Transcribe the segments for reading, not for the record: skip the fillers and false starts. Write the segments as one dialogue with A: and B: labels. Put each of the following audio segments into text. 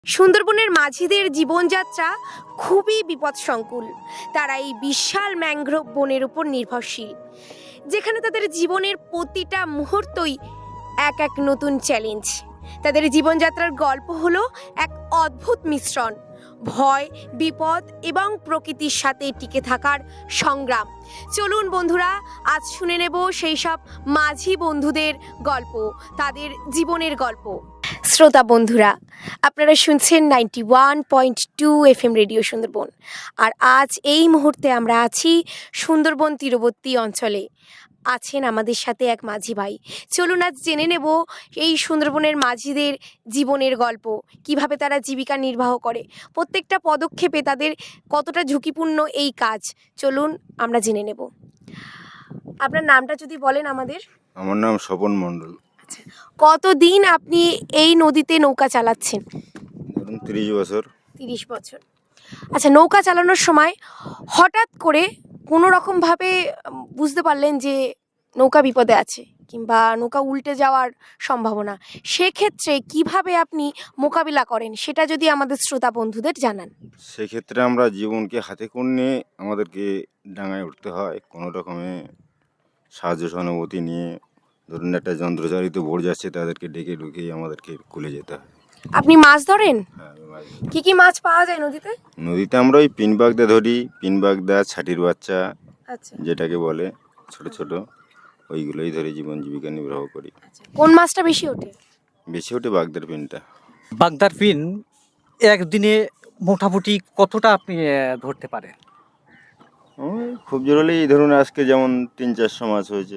A: সুন্দরবনের মাঝিদের জীবনযাত্রা খুবই বিপদসংকুল। তারা এই বিশাল ম্যানগ্রোভ বনের উপর নির্ভরশীল, যেখানে তাদের জীবনের প্রতিটা মুহূর্তই এক এক নতুন চ্যালেঞ্জ। তাদের জীবনযাত্রার গল্প হলো এক অদ্ভুত মিশ্রণ, ভয়, বিপদ এবং প্রকৃতির সাথে টিকে থাকার সংগ্রাম। চলুন বন্ধুরা, আজ শুনে নেব সেই সব মাঝি বন্ধুদের গল্প, তাদের জীবনের গল্প। শ্রোতা বন্ধুরা, আপনারা শুনছেন 91.2 FM রেডিও সুন্দরবন। আর আজ এই মুহূর্তে আমরা আছি সুন্দরবন তীরবর্তী অঞ্চলে। আছেন আমাদের সাথে এক মাঝি ভাই। চলুন আজ জেনে নেব এই সুন্দরবনের মাঝিদের জীবনের গল্প, কিভাবে তারা জীবিকা নির্বাহ করে, প্রত্যেকটা পদক্ষেপে তাদের কতটা ঝুঁকিপূর্ণ এই কাজ। চলুন আমরা জেনে নেব। আপনার নামটা যদি বলেন আমাদের।
B: আমার নাম স্বপন মণ্ডল।
A: কতদিন আপনি এই নদীতে নৌকা চালাচ্ছেন?
B: ধরুন 30 বছর।
A: 30 বছর। আচ্ছা, নৌকা চালানোর সময় হঠাৎ করে কোনো রকমভাবে বুঝতে পারলেন যে নৌকা বিপদে আছে কিংবা নৌকা উল্টে যাওয়ার সম্ভাবনা, সেক্ষেত্রে কিভাবে আপনি মোকাবিলা করেন সেটা যদি আমাদের শ্রোতা বন্ধুদের জানান।
B: সেক্ষেত্রে আমরা জীবনকে হাতে করে নিয়ে আমাদেরকে ডাঙায় উঠতে হয়, কোনো রকমে সাহায্য সহানুভূতি নিয়ে। ধরুন একটা যন্ত্রচালিত বোট যাচ্ছে, তাদেরকে ডেকে ঢুকিয়ে আমাদেরকে কুলে যেতে হয়।
A: আপনি মাছ ধরেন?
B: হ্যাঁ, আমি মাছ ধরি।
A: কি কি মাছ পাওয়া যায় নদীতে?
B: নদীতে আমরা ওই পিনবাগদা ধরি, পিনবাগদা, ছাটির বাচ্চা
A: আচ্ছা,
B: যেটাকে বলে, ছোট ছোট ওইগুলোই ধরে জীবন জীবিকা নির্বাহ করি।
A: কোন মাছটা বেশি ওঠে?
B: বেশি ওঠে বাগদার পিনটা।
C: বাগদার পিন একদিনে মোটামুটি কতটা আপনি ধরতে পারেন?
B: ওই খুব জোর হলেই এই ধরুন আজকে যেমন 300-400 মাছ হয়েছে।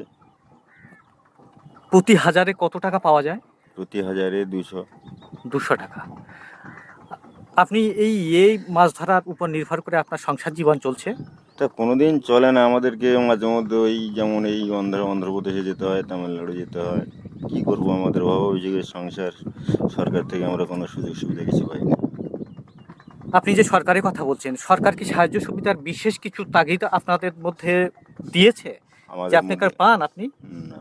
C: প্রতি হাজারে কত টাকা পাওয়া যায়?
B: প্রতি হাজারে 200।
C: 200 টাকা। আপনি এই মাছ ধরার উপর নির্ভর করে আপনার সংসার জীবন চলছে?
B: তা কোনোদিন চলে না, আমাদেরকে মাঝে মধ্যে ওই যেমন এই অন্ধ্রপ্রদেশে যেতে হয়, তামিলনাড়ু যেতে হয়। কি করব, আমাদের অভাব অভিযোগের সংসার। সরকার থেকে আমরা কোনো সুযোগ সুবিধা কিছু পাই না।
C: আপনি যে সরকারের কথা বলছেন, সরকার কি সাহায্য সুবিধার বিশেষ কিছু তাগিদ আপনাদের মধ্যে দিয়েছে যে আপনি পান? আপনি
B: না,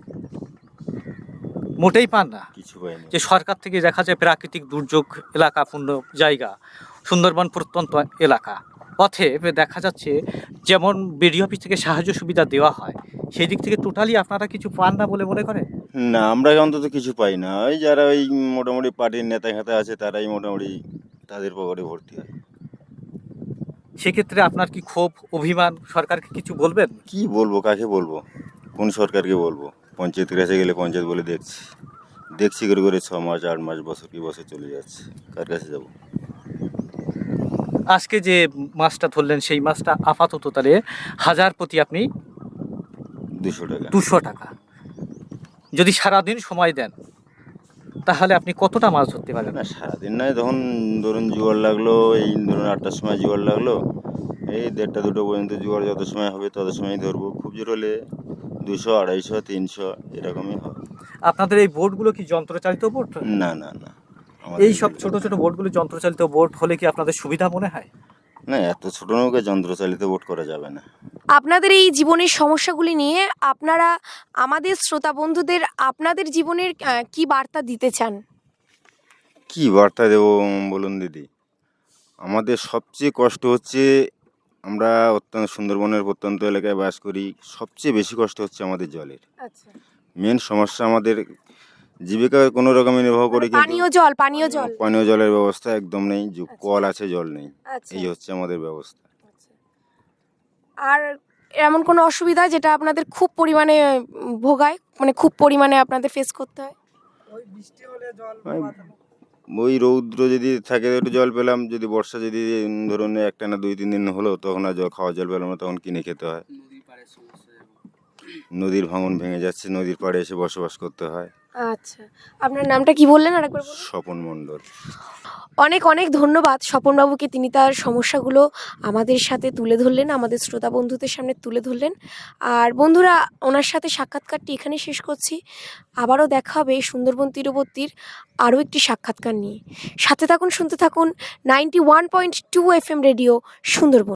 C: মোটেই পান না?
B: কিছু পাইনি।
C: যে সরকার থেকে দেখা যায় প্রাকৃতিক দুর্যোগ এলাকাপূর্ণ জায়গা, সুন্দরবন প্রত্যন্ত এলাকা, পথে দেখা যাচ্ছে যেমন বিডিও অফিস থেকে সাহায্য সুবিধা দেওয়া হয়, সেই দিক থেকে টোটালি আপনারা কিছু পান না বলে মনে করেন?
B: না, আমরা অন্তত কিছু পাই না। ওই যারা ওই মোটামুটি পার্টির নেতা খেতা আছে, তারাই মোটামুটি তাদের পকেটে ভর্তি হয়।
C: সেক্ষেত্রে আপনার কি ক্ষোভ, অভিমান, সরকারকে কিছু বলবেন?
B: কি বলবো, কাকে বলবো, কোন সরকারকে বলবো? পঞ্চায়েতের কাছে গেলে পঞ্চায়েত বলে দেখছি করে করে 6 মাস 8 মাস বছর কি বছর চলে যাচ্ছে, কার কাছে যাব?
C: আজকে যে মাছটা ধরলেন সেই মাছটা আপাতত তাহলে হাজার প্রতি আপনি
B: 200 টাকা।
C: 200 টাকা। যদি সারাদিন সময় দেন তাহলে আপনি কতটা মাছ ধরতে পারেন?
B: না, সারাদিন নয়, তখন ধরুন জোয়ার লাগলো, এই ধরুন 8টার সময় জোয়ার লাগলো, এই 1:30 2টো পর্যন্ত জোয়ার যত সময় হবে তত সময় ধরবো। খুব জোর হলে 200 250 300 এরকমই হয়।
C: আপনাদের এই বোটগুলো কি যন্ত্রচালিত বোট?
B: না না না,
C: এই সব ছোট ছোট বোটগুলো যন্ত্রচালিত বোট হলে কি আপনাদের সুবিধা মনে হয়?
B: না, এত ছোট নৌকা যন্ত্রচালিত বোট করা যাবে না।
A: আপনাদের এই জীবনের সমস্যাগুলি নিয়ে আপনারা আমাদের শ্রোতা বন্ধুদের আপনাদের জীবনের কি বার্তা দিতে চান?
B: কি বার্তা দেবো বলুন দিদি? আমাদের সবচেয়ে কষ্ট হচ্ছে, আমরা অত্যন্ত সুন্দরবনের প্রত্যন্ত এলাকায় বাস করি। সবচেয়ে বেশি কষ্ট হচ্ছে আমাদের জলের।
A: আচ্ছা,
B: মেন সমস্যা আমাদের জীবিকা কোনো রকমে নির্বাহ করি,
A: পানীয় জল
B: পানীয় জলের ব্যবস্থা একদম নেই। কল আছে, জল নেই।
A: আচ্ছা,
B: এই হচ্ছে আমাদের ব্যবস্থা।
A: আর এমন কোনো অসুবিধা যেটা আপনাদের খুব পরিমাণে ভোগায়, মানে খুব পরিমাণে আপনাদের ফেস করতে হয়?
B: ওই রৌদ্র যদি থাকে একটু জল পেলাম, যদি বর্ষা যদি ধরুন একটানা 2-3 দিন হলো, তখন আর খাওয়ার জল পেলাম না, তখন কিনে খেতে হয়। নদীর ভাঙন ভেঙে যাচ্ছে, নদীর পাড়ে এসে বসবাস করতে হয়।
A: আচ্ছা, আপনার নামটা কি বললেন আরেকবার বলুন?
B: স্বপন মণ্ডল।
A: অনেক অনেক ধন্যবাদ স্বপনবাবুকে, তিনি তার সমস্যাগুলো আমাদের সাথে তুলে ধরলেন, আমাদের শ্রোতা বন্ধুদের সামনে তুলে ধরলেন। আর বন্ধুরা, ওনার সাথে সাক্ষাৎকারটি এখানে শেষ করছি। আবারও দেখা হবে সুন্দরবন তীরবর্তীর আরও একটি সাক্ষাৎকার নিয়ে। সাথে থাকুন, শুনতে থাকুন 91.2 FM রেডিও সুন্দরবন।